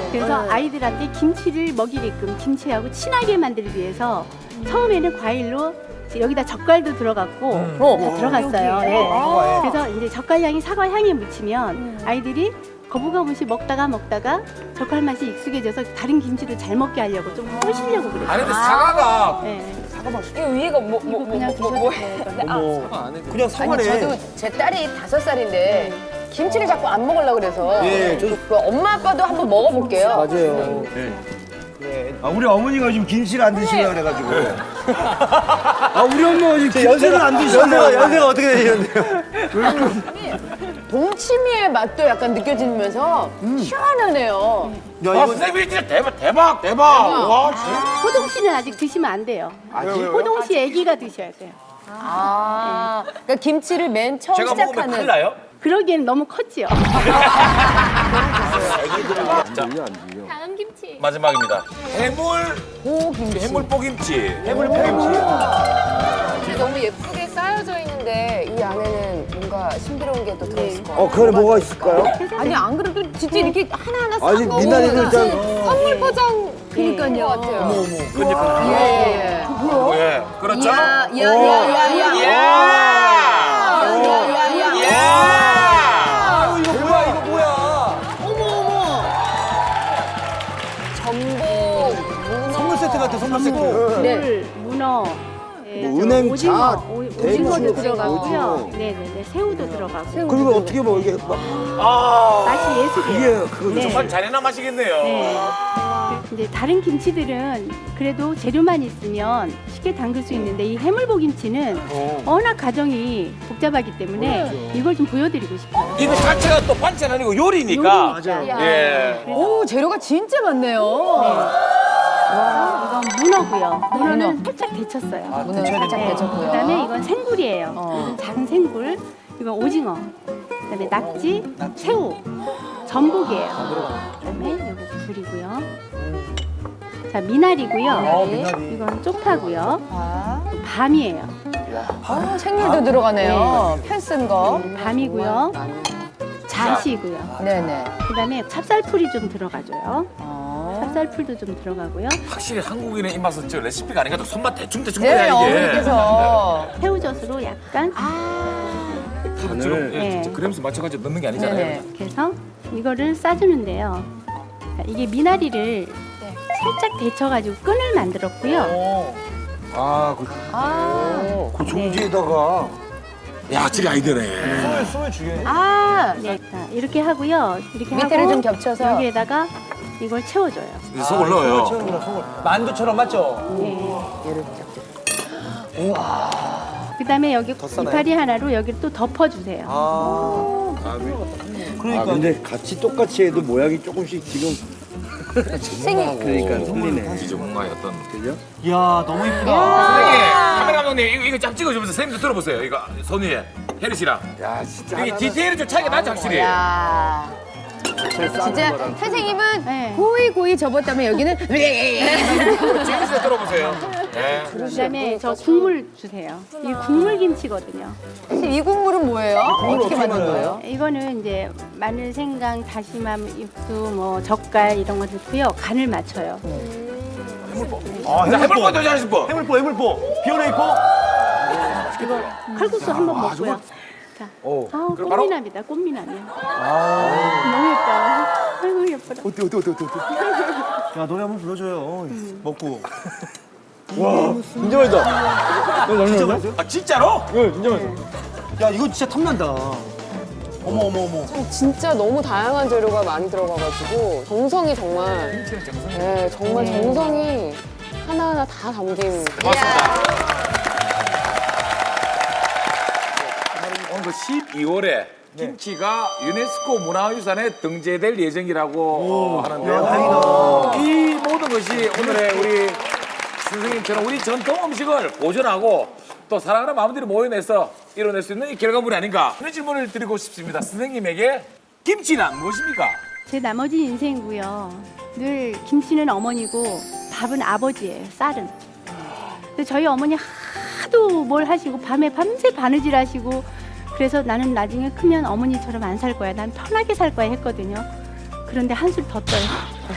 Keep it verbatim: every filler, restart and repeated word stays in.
그래서 네. 아이들한테 김치를 먹이게끔 김치하고 친하게 만들기 위해서 처음에는 과일로 여기다 젓갈도 들어갔고 다 들어갔어요. 네. 그래서 이제 젓갈 향이 사과 향에 묻히면 아이들이 거부감 없이 먹다가 먹다가 젓갈 맛이 익숙해져서 다른 김치도 잘 먹게 하려고 좀 꼬시려고 그랬어요. 아니 근데 사과가 네. 이거 위에가 뭐, 뭐, 이거 뭐, 그냥 뭐, 뭐, 드셔도 뭐, 돼요. 이거는. 어머, 아니, 그냥 아니, 사과네. 저도 제 딸이 다섯 살인데 김치를 자꾸 안 먹으려고 그래서 예, 저도- 그 엄마 아빠도 한번 먹어볼게요. 맞아요. 그래. 아, 우리 어머니가 지금 김치를 안 드시려고 그래가지고. 아, 우리 엄마가 지금 김치를 안 드시려고. 연세가, 연세가 어떻게 되시는데요? 동치미의 맛도 약간 느껴지면서 시원하네요. 야, 아, 이거 선생님이 진짜 대박 대박 대박. 와, 진짜. 호동 씨는 아직 드시면 안 돼요. 호동 씨 아기가 드셔야 돼요. 아, 그러니까 김치를 맨 처음 제가 먹으면 시작하는. 큰일 나요? 그러기엔 너무 컸지요. 다음 김치. 마지막입니다. 해물 고김치. 해물뽀김치. 해물 팽지. 너무 예쁘게 쌓여져 있는데 이 안에는 뭔가 신비로운 게 또 들어있을 것 같아요. 어, 그 안에 뭐가 있을까요? 아니 안 그래도 진짜 이렇게 하나하나 아니, 싼 거. 미나리도 무슨 일단- 선물 포장 그니까요. 것 같아요. 그러니까. 예, 예. 예, 그렇죠. 야, 야, 야, 야, 야. 예. 야야야야. 예. 아유, 이거 뭐야, 이거 뭐야. 전복, 문어. 선물 세트 같아, 선물 세트. 물, 문어, 예, 뭐 저 은행, 오징어, 잣, 오- 대추, 오징어도 들어가고요. 오징어. 네네네, 새우도 들어가고. 그리고 어떻게 뭐 이게 막 아, 맛이 예술이에요. 이게 그거 네. 정말 잔인한 맛이겠네요. 네. 이제 다른 김치들은 그래도 재료만 있으면 쉽게 담글 수 있는데 이 해물보김치는 워낙 가정이 복잡하기 때문에 이걸 좀 보여드리고 싶어요. 이거 자체가 또 반찬 아니고 요리니까. 요리니까. 예. 오, 재료가 진짜 많네요. 이건 문어고요. 문어는 살짝 데쳤어요. 문어 살짝 네. 데쳤고요. 그다음에 이건 생굴이에요. 어. 이건 작은 생굴. 이건 오징어. 그다음에 낙지, 새우, 전복이에요. 그다음에 이거 굴이고요. 자 미나리고요. 어, 미나리. 이건 쪽파고요. 아, 밤이에요. 아, 생물도 들어가네요. 편 쓴 거. 밤이고요. 잣이고요. 네네. 그다음에 찹쌀풀이 좀 들어가줘요. 어. 찹쌀풀도 좀 들어가고요. 확실히 한국인의 입맛은 저 레시피가 아니니까 손맛 대충 대충 네, 거야 이게. 어머니께서. 새우젓으로 약간 지금 예, 네. 진짜 그램수 맞춰가지고 넣는 게 아니잖아요. 네네. 이렇게 해서 이거를 싸주는데요. 자, 이게 미나리를 살짝 데쳐가지고 끈을 만들었고요. 아, 그, 아. 그 종지에다가 야, 확실히 아이디어네. 숨을, 숨을 죽여. 아. 네, 자, 이렇게 하고요. 이렇게 밑에를 하고 좀 겹쳐서. 여기에다가 이걸 채워줘요. 이제 속을 넣어요. 채우구나, 속을. 만두처럼 맞죠? 네. 얘를 그다음에 여기 싸나요? 이파리 하나로 여기를 또 덮어주세요. 아. 그러니까. 아, 근데 같이 똑같이 해도 모양이 조금씩 지금. 생이. 그러니까 틀리네. 이제 뭔가의 어떤 그죠? 이야 너무 이쁘다. 선생님, 카메라 감독님 이거, 이거 쫙 찍어주면서 선생님도 들어보세요. 이거 손 위에 혜리 씨랑 야, 진짜. 이게 디테일이 좀 차이가 나죠 확실히. 야. 잘 싸는 진짜 거랑. 선생님은 네. 고이 고이 접었다면 여기는 지금 씨 들어보세요. 네. 그다음에 저 국물 주세요. 이 국물 김치거든요. 사실 이 국물은 뭐예요? 어떻게 만든 거예요? 이거는 이제 마늘, 생강, 다시마, 육수, 뭐 젓갈 이런 거 넣고요. 간을 맞춰요. 아, 자, 해볼 것도 잘하실 분. 해물포, 해물포. 비오레이포. 이거 칼국수 한 번 먹고요. 자, 오. 아우 그럼 바로- 꽃미남이다, 꽃미남이야. 너무 예뻐. 아이고 예뻐라. 어때, 어때, 어때, 어때. 야, 노래 한번 불러줘요. 먹고. 와, 진짜 맛있다. 진짜 맛있어요? 아 진짜로? 네, 진짜 맛있어. 야, 이거 진짜 탐난다. 어머, 어머, 어머. 진짜 너무 다양한 재료가 많이 들어가가지고 정성이 정말 네, 정말 네. 정성이 하나하나 다 담긴 고맙습니다. 오늘 그 십이월에 김치가 유네스코 문화유산에 등재될 예정이라고 하는데요. 야, 다행이다. 이 모든 것이 오늘의 우리 선생님처럼 우리 전통 음식을 보존하고 또 사랑하는 마음들이 모여내서 이뤄낼 수 있는 이 결과물이 아닌가 이런 질문을 드리고 싶습니다. 선생님에게 김치란 무엇입니까? 제 나머지 인생이고요. 늘 김치는 어머니고 밥은 아버지예요. 쌀은. 근데 저희 어머니 하도 뭘 하시고 밤에 밤새 바느질 하시고 그래서 나는 나중에 크면 어머니처럼 안 살 거야. 난 편하게 살 거야 했거든요. 그런데 한술 더 떠요.